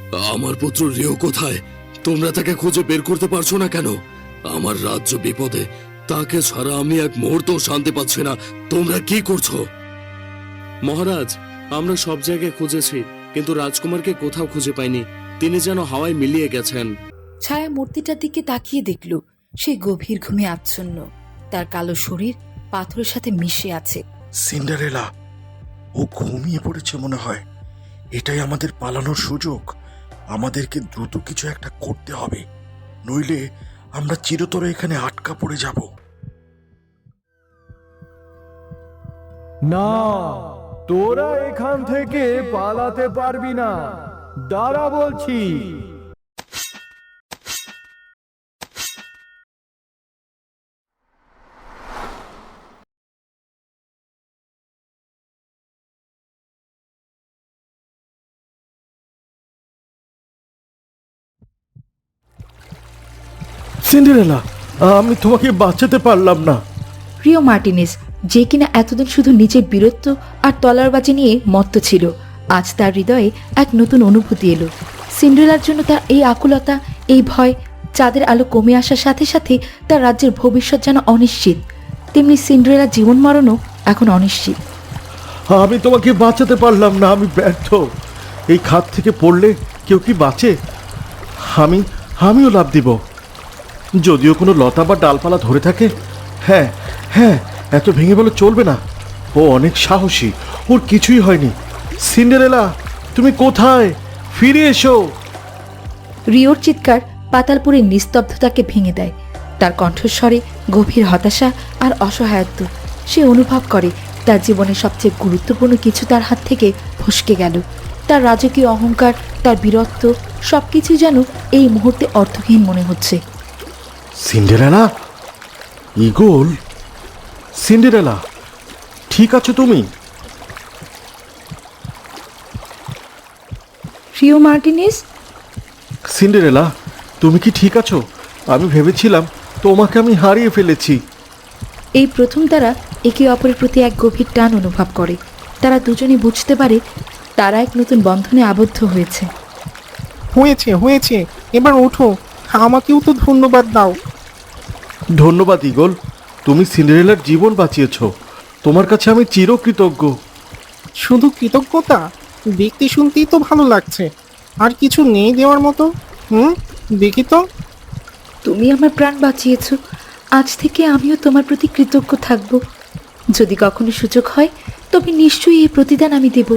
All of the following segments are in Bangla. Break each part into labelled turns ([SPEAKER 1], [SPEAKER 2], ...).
[SPEAKER 1] আমার পুত্র রিও কোথায়? তোমরা তাকে খুঁজে বের করতে পারছো না কেন? আমার রাজ্য বিপদে, তাকে ছাড়া আমি এক মুহূর্ত শান্তি পাচ্ছি না। তোমরা কি করছো?
[SPEAKER 2] মহারাজ, আমরা সব জায়গায় খুঁজেছি, কিন্তু রাজকুমারকে কোথাও খুঁজে পাইনি। তিনি যেন হাওয়ায় মিলিয়ে গেছেন।
[SPEAKER 3] ছায়া মূর্তিটার দিকে তাকিয়ে দেখল সে গভীর ঘুমে আচ্ছন্ন। তার কালো শরীর পাথরের সাথে মিশে আছে।
[SPEAKER 4] সিন্ডারেলা, ও ঘুমিয়ে পড়েছে মনে হয়। এটাই আমাদের পালানোর সুযোগ। আমাদেরকে দ্রুত কিছু একটা করতে হবে, নইলে আমরা চিরতরে এখানে আটকা পড়ে যাব।
[SPEAKER 5] না, তোরা এখান থেকে পালাতে পারবি না। দাঁড়া বলছি। সিন্ডারেলা, আমি তোমাকে বাঁচাতে পারলাম না।
[SPEAKER 3] রিও মার্টিনেজ, যে কিনা এতদিন শুধু নিজের বীরত্ব আর তলোয়ারবাজি নিয়ে মত্ত ছিল, আজ তার হৃদয়ে এক নতুন অনুভূতি এলো। সিন্ড্রেলার জন্য তার এই আকুলতা, এই ভয়। চাঁদের আলো কমে আসার সাথে সাথে তার রাজ্যের ভবিষ্যৎ যেন অনিশ্চিত, তেমনি সিন্ড্রেলার জীবন মরণও এখন অনিশ্চিত।
[SPEAKER 5] আমি তোমাকে বাঁচাতে পারলাম না, আমি ব্যর্থ। এই খাত থেকে পড়লে কেউ কি বাঁচে? আমিও লাফ দিব, যদিও কোনো লতা বা ডালপালা ধরে থাকে। হ্যাঁ হ্যাঁ, এত ভেঙে বলে চলবে না। ও অনেক সাহসী, ওর কিছুই হয়নি। সিন্ডারেলা, তুমি কোথায়? ফিরে এসো।
[SPEAKER 3] রিওর চিৎকার পাতালপুরের নিস্তব্ধতাকে ভেঙে দেয়। তার কণ্ঠস্বরে গভীর হতাশা আর অসহায়ত্ব। সে অনুভব করে তার জীবনের সবচেয়ে গুরুত্বপূর্ণ কিছু তার হাত থেকে ফসকে গেল। তার রাজকীয় অহংকার, তার বীরত্ব, সবকিছু যেন এই মুহূর্তে অর্থহীন মনে হচ্ছে।
[SPEAKER 5] সিন্ডারেলা, ইগল, সিন্ডারেলা, ঠিক আছো তুমি?
[SPEAKER 3] রিও মার্টিনেজ,
[SPEAKER 5] সিন্ডারেলা, তুমি কি ঠিক আছো? আমি ভেবেছিলাম তোমাকে আমি হারিয়ে ফেলেছি।
[SPEAKER 3] এই প্রথম তারা একে অপরের প্রতি এক গভীর টান অনুভব করে। তারা দুজনেই বুঝতে পারে তারা এক নতুন বন্ধনে আবদ্ধ হয়েছে।
[SPEAKER 6] হয়েছে হয়েছে, এবার ওঠো, আমাকেও তো ধন্যবাদ দাও।
[SPEAKER 5] ধন্যবাদ ইগল, তুমি সিন্ডারেলার জীবন বাঁচিয়েছো। তোমার কাছে আমি চিরকৃতজ্ঞ।
[SPEAKER 6] শুধু কৃতজ্ঞতা? দেখতে শুনতেই তো ভালো লাগছে। আর কিছু নেই দেওয়ার মতো? দেখি তো।
[SPEAKER 3] তুমি আমার প্রাণ বাঁচিয়েছো, আজ থেকে আমিও তোমার প্রতি কৃতজ্ঞ থাকব। যদি কখনো সুযোগ হয় তবে নিশ্চয়ই এই প্রতিদান আমি দেব।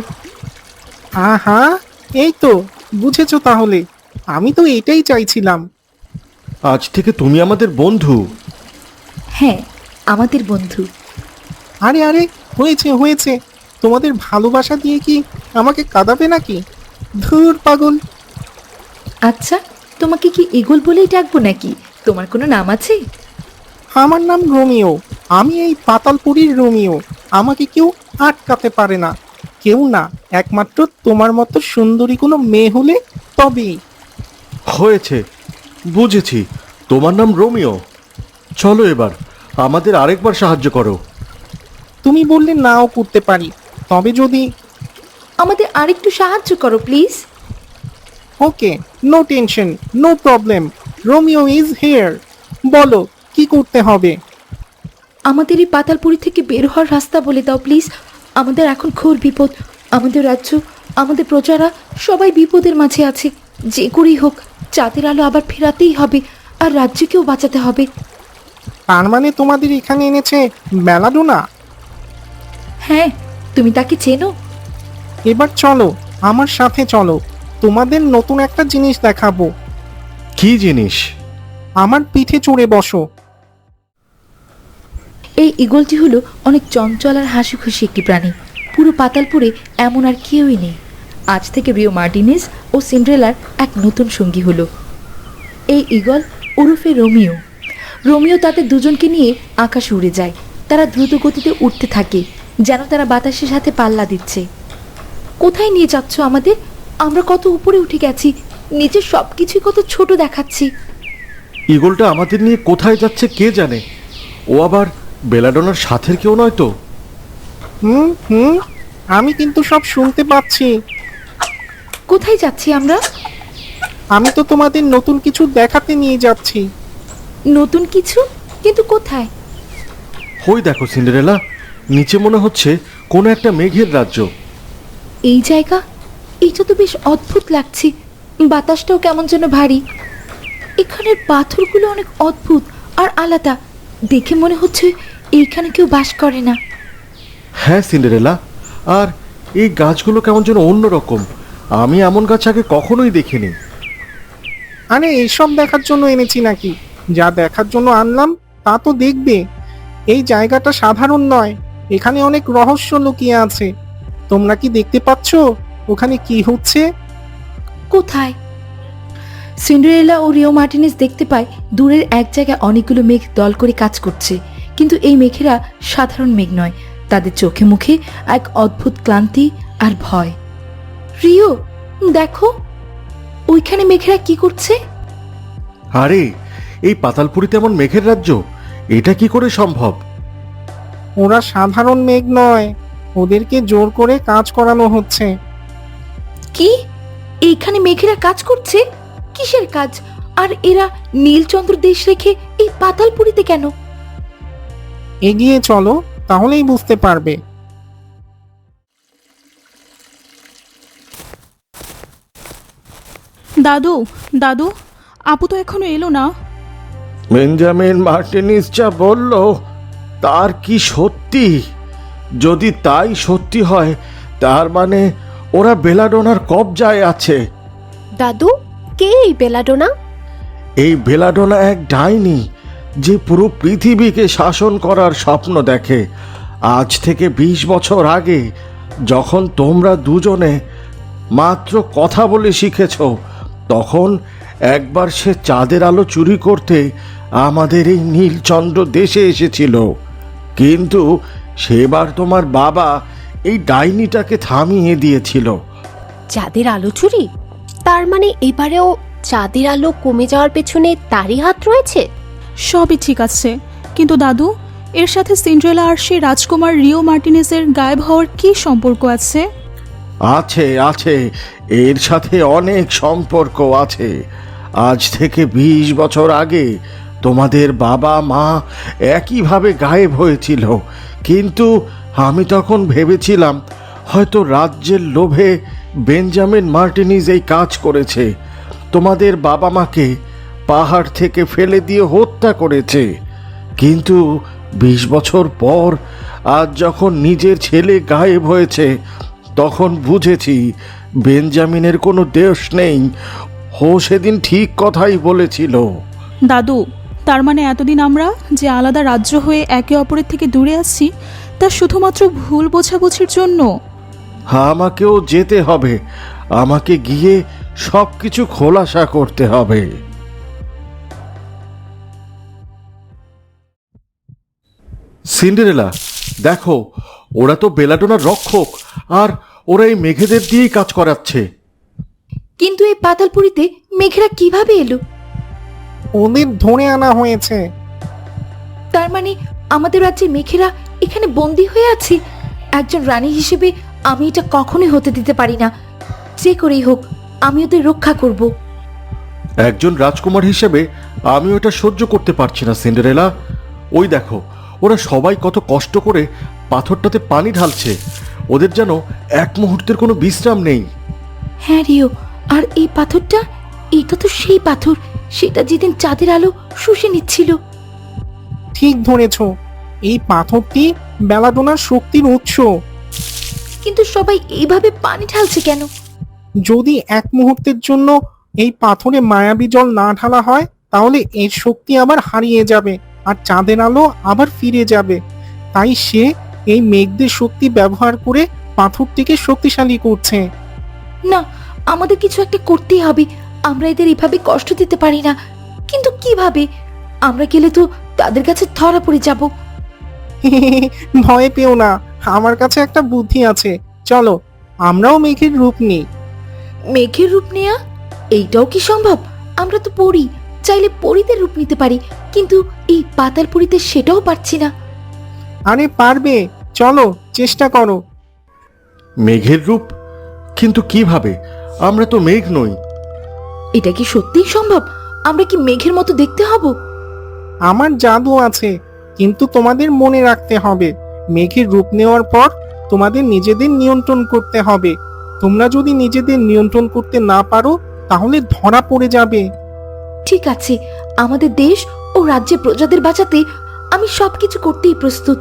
[SPEAKER 6] আহা, এই তো বুঝেছো তাহলে। আমি তো এটাই চাইছিলাম।
[SPEAKER 5] আজ থেকে তুমি আমাদের বন্ধু।
[SPEAKER 3] হ্যাঁ, আমাদের বন্ধু।
[SPEAKER 6] আরে আরে, হয়েছে হয়েছে। তোমাদের ভালোবাসা দিয়ে কি আমাকে কাঁদাবে নাকি? ধুর পাগল।
[SPEAKER 3] আচ্ছা, তোমাকে কি ইগল বলেই ডাকবো নাকি? তোমার কোনো নাম আছে?
[SPEAKER 6] আমার নাম রোমিও। আমি এই পাতালপুরীর রোমিও। আমাকে কেউ আটকাতে পারে না, কেউ না। একমাত্র তোমার মতো সুন্দরী কোনো মেয়ে হলে তবেই।
[SPEAKER 5] হয়েছে, বুঝেছি, তোমার নাম রোমিও। চলো এবার আমাদের আরেকবার সাহায্য করো।
[SPEAKER 6] তুমি বললে নাও করতে পারি, তবে যদি।
[SPEAKER 3] আমাদের আরেকটু সাহায্য করো please.
[SPEAKER 6] Okay, no tension, no problem. Romeo is here. বলো কি করতে হবে?
[SPEAKER 3] আমাদের এই পাতালপুরি থেকে বের হওয়ার রাস্তা বলে দাও প্লিজ। আমাদের এখন ঘোর বিপদ। আমাদের রাজ্য, আমাদের প্রজারা সবাই বিপদের মাঝে আছে। যে করেই হোক চাঁদের আলো আবার ফেরাতেই হবে, আর রাজ্যকেও বাঁচাতে হবে।
[SPEAKER 6] তার মানে তোমাদের এখানে এনেছে বেলাডোনা?
[SPEAKER 3] হ্যাঁ, তুমি তাকে চেনো?
[SPEAKER 6] এবার চলো, আমার সাথে চলো। তোমাদের নতুন একটা জিনিস দেখাবো।
[SPEAKER 5] কি জিনিস?
[SPEAKER 6] আমার পিঠে চড়ে বসো।
[SPEAKER 3] এই ঈগলটি হলো অনেক চঞ্চল আর হাসি খুশি একটি প্রাণী। পুরো পাতালপুরে এমন আর কেউই নেই। আজ থেকে রিও মার্টিনেজ ও সিন্ড্রেলার এক নতুন সঙ্গী হলো এই ঈগল ওরফে রোমিও। রোমিও তাদের দুজনকে নিয়ে আকাশে উড়ে যায়। তারা দ্রুত গতিতে উঠতে থাকে, যেন তারা বাতাসের সাথে পাল্লা দিচ্ছে। কোথায় নিয়ে যাচ্ছ আমাদের? আমরা কত উপরে উঠে গেছি, নিজের সব কিছুই কত ছোট দেখাচ্ছি।
[SPEAKER 5] ইগলটা আমাদের নিয়ে কোথায় যাচ্ছে কে জানে। ও আবার বেলাডোনার সাথের কেউ নয় তো?
[SPEAKER 6] হুম, আমি কিন্তু সব শুনতে পাচ্ছি।
[SPEAKER 3] কোথায় যাচ্ছি আমরা?
[SPEAKER 6] আমি তো তোমাদের নতুন কিছু দেখাতে নিয়ে যাচ্ছি।
[SPEAKER 3] নতুন কিছু? কিন্তু কোথায়?
[SPEAKER 5] ওই দেখো সিন্ডারেলা, নিচে মনে হচ্ছে কোনো একটা মেঘের রাজ্য।
[SPEAKER 3] এই জায়গা, এটা তো বেশ অদ্ভুত লাগছে। বাতাসটাও কেমন যেন ভারী। এখানের পাথরগুলো অনেক অদ্ভুত আর আলাদা। দেখে মনে হচ্ছে এইখানে কেউ বাস করে না।
[SPEAKER 5] হ্যাঁ সিন্ডারেলা, আর এই গাছগুলো কেমন যেন অন্যরকম। আমি এমন গাছ আগে কখনোই দেখিনি।
[SPEAKER 6] আরে এইসব দেখার জন্য এনেছি নাকি? যা দেখার জন্য আনলাম তা তো দেখবে। এই জায়গাটা সাধারণ নয়, এখানে অনেক রহস্য লুকিয়ে আছে। তোমরা কি দেখতে পাচ্ছ ওখানে কি হচ্ছে?
[SPEAKER 3] কোথায়? সিন্ডারেলা ও রিও মার্টিনেজ দেখতে পায় দূরের এক জায়গায় অনেকগুলো মেঘ দল করে কাজ করছে। কিন্তু এই মেঘেরা সাধারণ মেঘ নয়, তাদের চোখে মুখে এক অদ্ভুত ক্লান্তি আর ভয়। রিও, দেখো ওইখানে মেঘেরা কি করছে।
[SPEAKER 5] আরে, এই পাতালপুরিতে এমন মেঘের রাজ্য, এটা কি করে সম্ভব?
[SPEAKER 6] ওরা সাধারণ মেঘ নয়, ওদেরকে জোর করে কাজ করানো হচ্ছে।
[SPEAKER 3] কি? এইখানে মেঘেরা কাজ করছে? কিসের কাজ? আর এরা নীলচন্দ্র দেশ রেখে এই পাতালপুরিতে কেন?
[SPEAKER 6] এগিয়ে চলো, তাহলেই বুঝতে পারবে।
[SPEAKER 7] দাদু, দাদু, আপু তো এখনো এলো না।
[SPEAKER 5] বেঞ্জামিন মার্টিনিস যা বলল তার কি সত্যি? যদি তাই সত্যি হয়, তার মানে ওরা বেলাডোনার কবজায় আছে।
[SPEAKER 8] দাদু, কে এই বেলাডোনা?
[SPEAKER 5] এই বেলাডোনা এক ডাইনি, যে পুরো পৃথিবীকে শাসন করার স্বপ্ন দেখে। আজ থেকে 20 বছর আগে, যখন তোমরা দুজনে মাত্র কথা বলে শিখেছ, তখন একবার সে চাঁদের আলো চুরি করতে আমাদের এই নীলচন্দ্র দেশে এসেছিল। কিন্তু সেবার তোমার বাবা এই ডাইনিটাকে থামিয়ে দিয়েছিল।
[SPEAKER 8] চাঁদের আলো চুরি? তার মানে এবারেও চাঁদের আলো কমে যাওয়ার পেছনে তারই হাত রয়েছে?
[SPEAKER 7] সবই ঠিক আছে, কিন্তু দাদু, এর সাথে সিন্ড্রেলা আর সেই রাজকুমার রিও মার্টিনেজের গায়েব হওয়ার কি সম্পর্ক আছে?
[SPEAKER 5] আছে আছে, এর সাথে অনেক সম্পর্ক আছে। আজ থেকে 20 বছর আগে তোমাদের বাবা মা একইভাবে গায়েব হয়েছিল, কিন্তু আমি তখন ভেবেছিলাম হয়তো রাজ্যের লোভে বেঞ্জামিন মার্টিনিজ এই কাজ করেছে। তোমাদের বাবা মাকে পাহাড় থেকে ফেলে দিয়ে হত্যা করেছে। কিন্তু 20 বছর পর আজ যখন নিজের ছেলে গায়েব হয়েছে, তখন বুঝেছি বেঞ্জামিনের কোনো দোষ নেই। ও সেদিন ঠিক কথাই বলেছিল।
[SPEAKER 7] দাদু, তার মানে এতদিন আমরা যে আলাদা রাজ্য হয়ে একে অপরের থেকে দূরে আছি, তা শুধুমাত্র ভুল বোঝাবুঝির জন্য?
[SPEAKER 5] আমাকেও যেতে হবে, আমাকে গিয়ে সব কিছু খোলাসা করতে হবে। সিন্ডারেলা, দেখো, ওরা তো বেলাডোনার রক্ষক, আর ওরা এই মেঘেদের দিয়েই কাজ করাচ্ছে।
[SPEAKER 3] কিন্তু এই পাতালপুরিতে মেঘেরা কিভাবে এলো?
[SPEAKER 6] ওদের ধরে আনা হয়েছে।
[SPEAKER 3] তার মানে আমাদের রাজ্যের মেঘেরা এখানে বন্দী হয়ে আছে। একজন রানী হিসেবে আমি এটা কখনোই হতে দিতে পারি না। যে করেই হোক, আমি ওদের রক্ষা করব।
[SPEAKER 5] একজন রাজকুমার হিসেবে আমি ওটা সহ্য করতে পারছি না সিন্ডারেলা। ওই দেখো, ওরা সবাই কত কষ্ট করে পাথরটাতে পানি ঢালছে। ওদের যেন এক মুহূর্তের কোনো বিশ্রাম নেই।
[SPEAKER 3] হ্যাঁ রিও, আর এই পাথরটা, এটা তো সেই পাথর, সেটা যেদিন চাঁদের আলো শুষে নিচ্ছিল।
[SPEAKER 6] ঠিক ধরেছ, এই পাথরটি বেলাডোনার শক্তির উৎস।
[SPEAKER 3] কিন্তু সবাই এইভাবে পানি ঢালছে কেন?
[SPEAKER 6] যদি এক মুহূর্তের জন্য এই পাথরে মায়াবী জল না ঢালা হয়, তাহলে এর শক্তি আবার হারিয়ে যাবে আর চাঁদের আলো আবার ফিরে যাবে। তাই সে এই মেঘদের শক্তি ব্যবহার করে পাথরটিকে শক্তিশালী করছে।
[SPEAKER 3] না, আমাদের কিছু একটা করতেই হবে। আমরা এদের এভাবে কষ্ট দিতে পারি না। কিন্তু কিভাবে? আমরা গেলে তো তাদের কাছে ধরা পড়ে যাব।
[SPEAKER 6] ভয় পেও না, আমার কাছে একটা বুদ্ধি আছে। চলো, আমরাও মেঘের রূপ নিই।
[SPEAKER 3] মেঘের রূপ নেয়া? এইটাও কি সম্ভব? আমরা তো পড়ি, চাইলে পরীদের রূপ নিতে পারি, কিন্তু এই পাতালপুরিতে সেটাও পারছি না।
[SPEAKER 6] আরে পারবে, চলো চেষ্টা করো।
[SPEAKER 5] মেঘের রূপ? কিন্তু কিভাবে? আমরা তো মেঘ নই।
[SPEAKER 3] এটা কি সত্যিই সম্ভব? আমরা কি মেঘের মতো দেখতে হব?
[SPEAKER 6] আমার জাদু আছে, কিন্তু তোমাদের মনে রাখতে হবে মেঘের রূপ নেওয়ার পর তোমাদের নিজেদের নিয়ন্ত্রণ করতে হবে। তোমরা যদি নিজেদের নিয়ন্ত্রণ করতে না পারো তাহলে ধরা পড়ে যাবে।
[SPEAKER 3] ঠিক আছে, আমাদের দেশ ও রাজ্যের প্রজাদের বাঁচাতে আমি সবকিছু করতেই প্রস্তুত।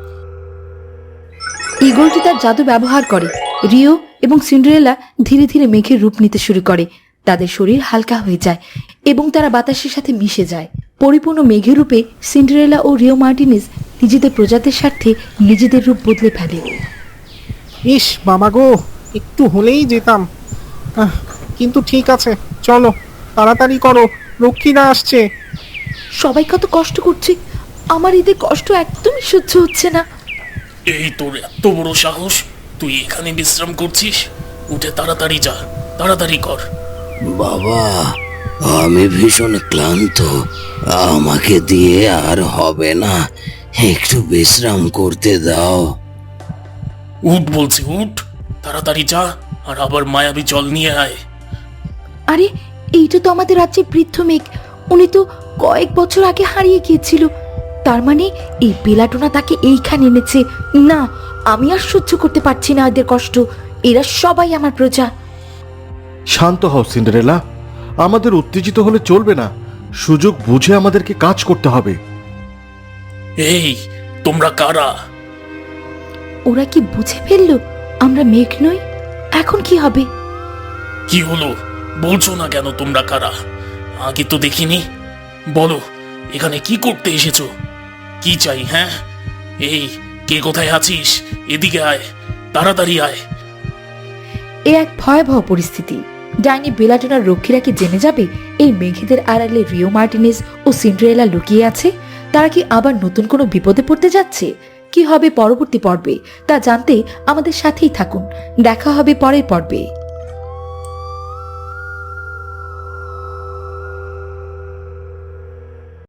[SPEAKER 3] ঈগলটি তার জাদু ব্যবহার করে। রিও এবং সিন্ডারেলা ধীরে ধীরে মেঘের রূপ নিতে শুরু করে। তাদের শরীর হালকা হয়ে যায় এবং তারা বাতাসের সাথে মিশে যায়। পরিপূর্ণ মেঘের রূপে সিন্ডারেলা ও রিও মার্টিনেজ নিজেদের প্রজাদের স্বার্থে নিজেদের রূপ বদলে ফেলে।
[SPEAKER 6] ইস বাবা গো, একটু হলেই যেতাম। কিন্তু ঠিক আছে, চলো তাড়াতাড়ি করো, রক্ষীরা আসছে।
[SPEAKER 3] সবাই কত কষ্ট করছে, আমার এদের কষ্ট একদমই সহ্য হচ্ছে না।
[SPEAKER 9] এই তোর এত বড় সাহস, তুই এখানে বিশ্রাম করছিস? উঠে তাড়াতাড়ি যা, তাড়াতাড়ি কর।
[SPEAKER 1] বাবা, আমি ভীষণ ক্লান্ত, আমাকে দিয়ে আর হবে না, একটু বিশ্রাম করতে দাও।
[SPEAKER 9] উঠ বলছি, উঠ, তাড়াতাড়ি যা, আর আবার মায়াবী জল নিয়ে আয়।
[SPEAKER 3] আরে, এইটা তো আমাদের রাজ্যের বৃদ্ধ মেঘ। উনি তো কয়েক বছর আগে হারিয়ে গিয়েছিল। তার মানে এই বেলাটোনা তাকে এইখানে এনেছে। না, আমি আর সহ্য করতে পারছি না এদের কষ্ট। এরা সবাই আমার প্রজা।
[SPEAKER 5] শান্ত হও সিন্ডারেলা, আমাদের উত্তেজিত হলে চলবে না। সুযোগ বুঝে আমাদেরকে কাজ করতে হবে।
[SPEAKER 9] এই, তোমরা কারা?
[SPEAKER 3] ওরা কি বুঝে ফেললো আমরা মেঘ নই? এখন কি হবে?
[SPEAKER 9] কি হলো, বলছো না কেন তোমরা কারা? আগে তো দেখিনি। বলো, এখানে কি করতে এসেছো? কি চাই? হ্যাঁ, এই, কে কোথায় আছিস? এদিকে আয়, তাড়াতাড়ি আয়।
[SPEAKER 3] এ এক ভয়াবহ পরিস্থিতি। ডাইনি বেলাটোনার রক্ষীরা কি জেনে যাবে এই মেঘেদের আড়ালে রিও মার্টিনেজ ও সিন্ডারেলা লুকিয়ে আছে? তারা কি আবার নতুন কোনো বিপদে পড়তে যাচ্ছে? কি হবে পরবর্তী পর্বে তা জানতে আমাদের সাথেই থাকুন। দেখা হবে পরের পর্বে।